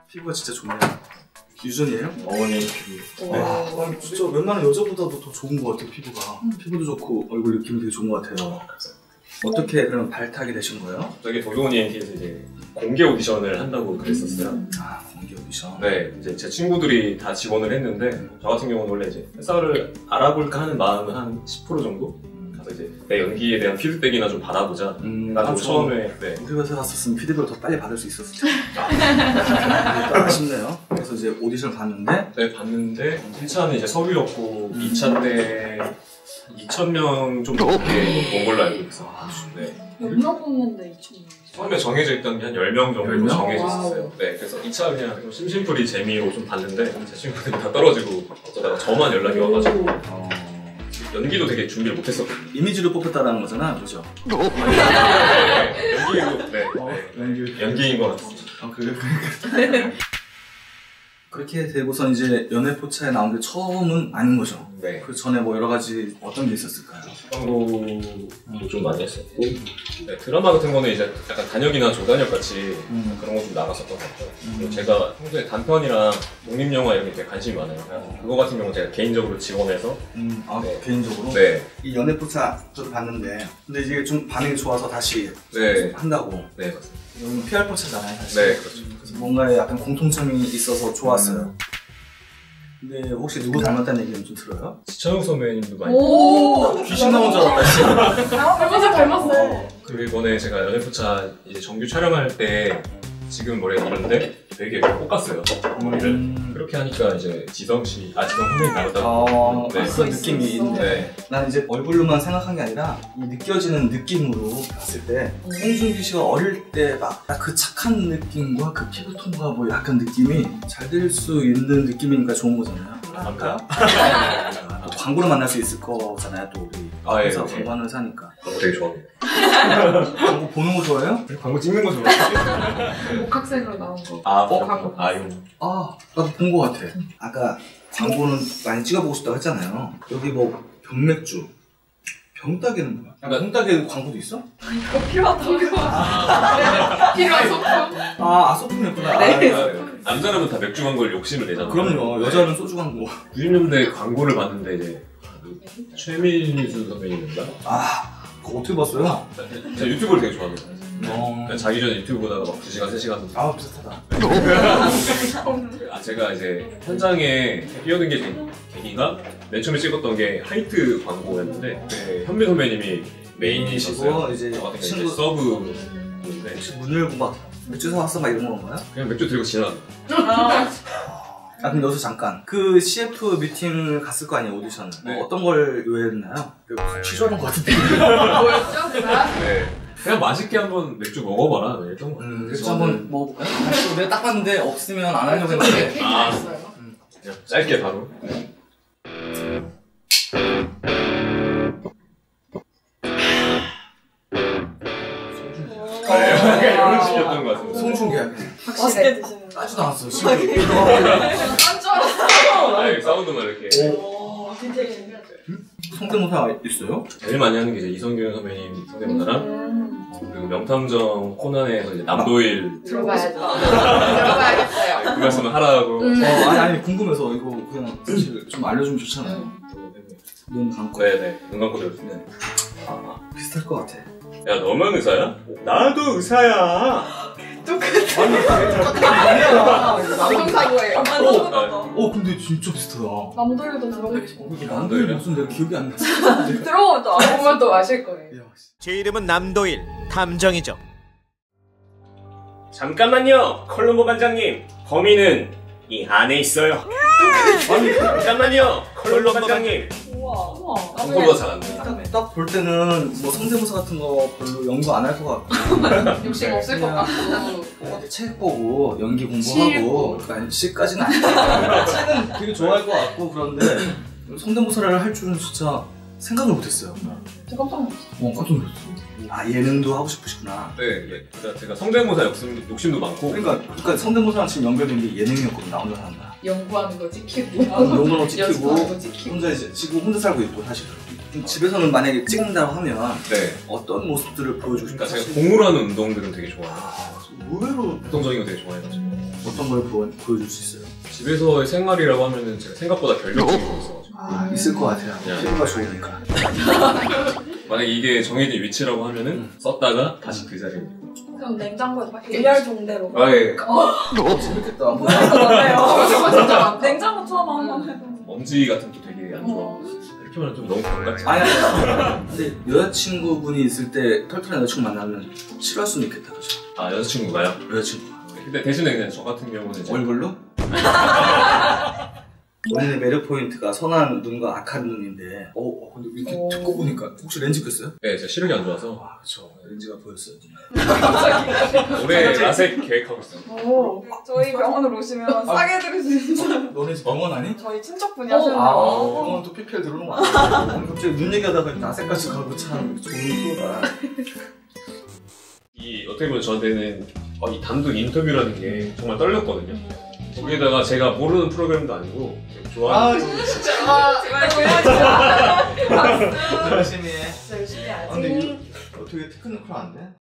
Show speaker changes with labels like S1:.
S1: 피부가 진짜 좋네요. 유전이에요?
S2: 어머니 피부.
S1: 네. 진짜 웬만한 여자보다도 더 좋은 것 같아요, 피부가. 피부도 좋고 얼굴 느낌이 되게 좋은 것 같아요. 어떻게 그럼 발탁이 되신 거예요?
S2: 저기 도경원 ENT에서 이제 공개 오디션을 한다고 그랬었어요.
S1: 아, 공개 오디션.
S2: 네, 이제 제 친구들이 다 지원을 했는데 저 같은 경우는 원래 이제 회사를 알아볼까 하는 마음은 한 10% 정도? 가서 이제 내 연기에 대한 피드백이나 좀 받아보자. 나도 처음에 네.
S1: 우리 회사 갔었으면 피드백을 더 빨리 받을 수 있었을 텐데. 아쉽네요. 그래서 이제 오디션을 봤는데
S2: 네, 봤는데 1차는 이제 서울이었고 2차 때 2,000명 좀 넘게 온 걸로 알고 있어요. 네.
S3: 몇 명 뽑는데 2,000명?
S2: 처음에 정해져 있던 게 한 10명 정도
S1: 10명?
S2: 정해져 있었어요. 네, 그래서 2차 그냥 좀 심심풀이 재미로 좀 봤는데 제 친구들이 다 떨어지고 어쩌다가 저만 연락이 와가지고 연기도 되게 준비를 못했었거든요.
S1: 이미지로 뽑혔다는 거잖아, 그죠?
S2: 연기도 네, 연기인 것 같습니다.
S1: 아, 그래? 그렇게 되고선 이제 연애포차에 나온 게 처음은 아닌 거죠?
S2: 네.
S1: 그 전에 뭐 여러 가지 어떤 게 있었을까요?
S2: 광고도 좀 많이 했었고 네, 드라마 같은 거는 이제 약간 단역이나 조단역 같이 그런 거 좀 나갔었던 것 같아요. 그리고 제가 평소에 단편이랑 독립영화 이런 게 되게 관심이 많아요. 그거 같은 경우는 제가 개인적으로 지원해서 네.
S1: 개인적으로?
S2: 네.
S1: 이 연애포차 저도 봤는데 근데 이게 좀 반응이 좋아서 다시
S2: 네.
S1: 한다고.
S2: 네, 맞습니다.
S1: 이건 PR포차잖아요, 사실.
S2: 네, 그렇죠.
S1: 그래서 뭔가에 약간 공통점이 있어서 좋았어요. 근데 혹시 누구 닮았다는 얘기는 좀 들어요?
S2: 지천욱 선배님도 많이
S3: 오!
S1: 귀신 나온 줄 알았다.
S3: 닮았어.
S2: 그리고 이번에 제가 연애포차 이제 정규 촬영할 때 지금 머리가 이런데 되게 볶았어요. 머리를. 그렇게 하니까 이제 지성 선배님 닮았다고.
S1: 네. 그런 느낌이 있는데
S2: 네.
S1: 난 이제 얼굴로만 생각한 게 아니라 이 느껴지는 느낌으로 봤을 때 송중기 씨가 어릴 때 막 그 착한 느낌과 그 피부톤과 뭐 약간 느낌이 잘 될 수 있는 느낌이니까 좋은 거잖아요.
S2: 아까
S1: 또 광고로 만날 수 있을 거잖아요, 또 우리. 그래서 광고하는 회사니까.
S2: 광고 되게 좋아합니다.
S1: 광고 보는 거 좋아해요?
S2: 광고 찍는 거 좋아해요.
S3: 복학생으로 나온 거.
S2: 광고.
S1: 나도 본 거 같아. 아까 광고는 많이 찍어보고 싶다고 했잖아요. 여기 뭐 병맥주. 병따개는 뭐야? 병따개 광고도 있어?
S3: 이거 필요하다고. 필요한 소품.
S1: 소품이었구나.
S3: 네.
S2: 남자라면 다 맥주 광고를 욕심을 내잖아요.
S1: 그럼요. 여자는 소주 광고.
S2: 90년대 광고를 봤는데 이제 최민수 선배님인가?
S1: 그거 어떻게 봤어요?
S2: 제가 유튜브를 되게 좋아합니다. 자기 전에 유튜브 보다가 막 2시간, 3시간.
S1: 비슷하다.
S2: 제가 이제 현장에 뛰어든 게 계기가 맨 처음에 찍었던 게 하이트 광고였는데 현미 선배님이 메인이시고
S1: 이제
S2: 저 같은
S1: 친구
S2: 경우 서브인데
S1: 문 열고 막 맥주 사왔어 막 이런 건가요?
S2: 그냥 맥주 들고 지나가.
S1: 그럼 여기서 잠깐 그 CF 미팅을 갔을 거 아니에요, 오디션을.
S2: 네.
S1: 뭐 어떤 걸 요했나요? 취소하는 것 같은데.
S3: 뭐였죠?
S2: 네. 그냥 맛있게 한번 맥주 먹어봐라. 이랬던 거.
S1: 맥주 한번 먹어볼까요? 내가 딱 봤는데 없으면 안 하려고 했는데.
S2: 그냥 짧게 바로. 이런 식이었던 것 같은데.
S1: 송중기야.
S3: 맛있게 드시는 거.
S1: 까지도 않았어.
S3: 딴줄 알았어.
S2: 사운드만 이렇게.
S3: 진짜 신기하다.
S1: 성대모사 있어요?
S2: 제일 많이 하는 게 이제 이성균 선배님 성대모사랑 그리고 명탐정 코난에서 이제 남도일
S3: 들어봐야죠. 들어봐야겠어요.
S2: 그 말씀을 하라고.
S1: 아니 궁금해서 이거 그냥 사실 좀 알려주면 좋잖아요. 눈 감고.
S2: 네네. 눈 감고 들었는데.
S1: 비슷할 것 같아.
S2: 야, 너만 의사야? 나도 의사야.
S3: 감성사고예요.
S1: 근데 진짜 비슷하다.
S3: 남도일도 들어보고 싶어.
S1: 남도일 무슨 내가 기억이 안 나.
S3: 들어보면 알아보면 또 아실 거예요.
S4: 제 이름은 남도일 탐정이죠.
S2: 잠깐만요, 컬럼보 반장님. 범인은 이 안에 있어요. 잠깐만요, 컬럼보 반장님.
S3: 우와.
S2: 광고가 잘 안 돼.
S1: 딱 볼 때는 뭐 성대모사 같은 거 별로 연구 안 할 것 같고
S3: 욕심 없을 것 같고.
S1: 어디 책 보고 연기 공부하고 아니 시까지는 아니야. 책은 되게 좋아할 것 같고 그런데 성대모사를 할 줄은 진짜 생각을 못했어요.
S3: 저 깜짝 놀랐어.
S1: 깜짝 놀랐어. 예능도 하고 싶으시구나.
S2: 네, 그러니까 제가 성대모사 욕심도 많고.
S1: 그러니까 성대모사랑 지금 연결된 게 예능이었거든. 나 혼자 산다.
S3: 연구하는 거 지키고
S1: 연구하는 거 지키고
S3: 연습하는 거 지키고
S1: 혼자 이제 지금 혼자 살고 있고 사실 집에서는 만약에 찍는다고 하면
S2: 네.
S1: 어떤 모습들을 보여주고 싶다.
S2: 그러니까 제가 공으로 하는 운동들은 되게 좋아해요.
S1: 의외로
S2: 활동적인 거 되게 좋아해가지고.
S1: 어떤 걸 보여줄 수 있어요?
S2: 집에서의 생활이라고 하면은 제가 생각보다 결벽증이 좀 있어가지고
S1: 있을 것 같아요. 피부가 좋으니까.
S2: 만약에 이게 정해진 위치라고 하면은 썼다가 다시 그 자리에
S3: 그럼 냉장고에서 막 일렬 종대로.
S2: 아예
S1: 재밌겠다.
S3: 저거 진짜 냉장고처럼 한번 해도.
S2: 먼지 같은 것도 되게 안 좋아. 이렇게 말하면 좀 너무 반갑지.
S1: 아니 근데 여자친구분이 있을 때 털털한 여자친구 만나면 싫어할 수는 있겠다, 그죠?
S2: 아 여자친구가요?
S1: 여자친구.
S2: 근데 대신에 그냥 저 같은 경우는 이제
S1: 얼굴로? 본인의 매력 포인트가 선한 눈과 악한 눈인데 근데 이렇게 듣고 보니까 혹시 렌즈 꼈어요?
S2: 네, 제가 시력이 안 좋아서
S1: 아 그쵸, 렌즈가 보였어요.
S2: 올해 라섹 계획하고 있어요.
S3: 오, 저희 병원으로 오시면 싸게 해드릴 수 있어요.
S1: 너네 집 병원 아니?
S3: 저희 친척분이 하시는
S1: 아,
S3: 거.
S1: 병원 또 PPL 들어오는 거 아니야? 갑자기 눈 얘기하다가 나색까지 가고 참 좋은 프로다.
S2: 이 어떻게 보면 저한테는 이 단독 인터뷰라는 게 정말 떨렸거든요. 거기에다가 제가 모르는 프로그램도 아니고 좋아하는
S1: 진짜.
S3: 제발 보여주세요.
S1: 열심히 해.
S3: 열심히 해야지.
S1: 근데 이거 어떻게 테크니컬 안 돼?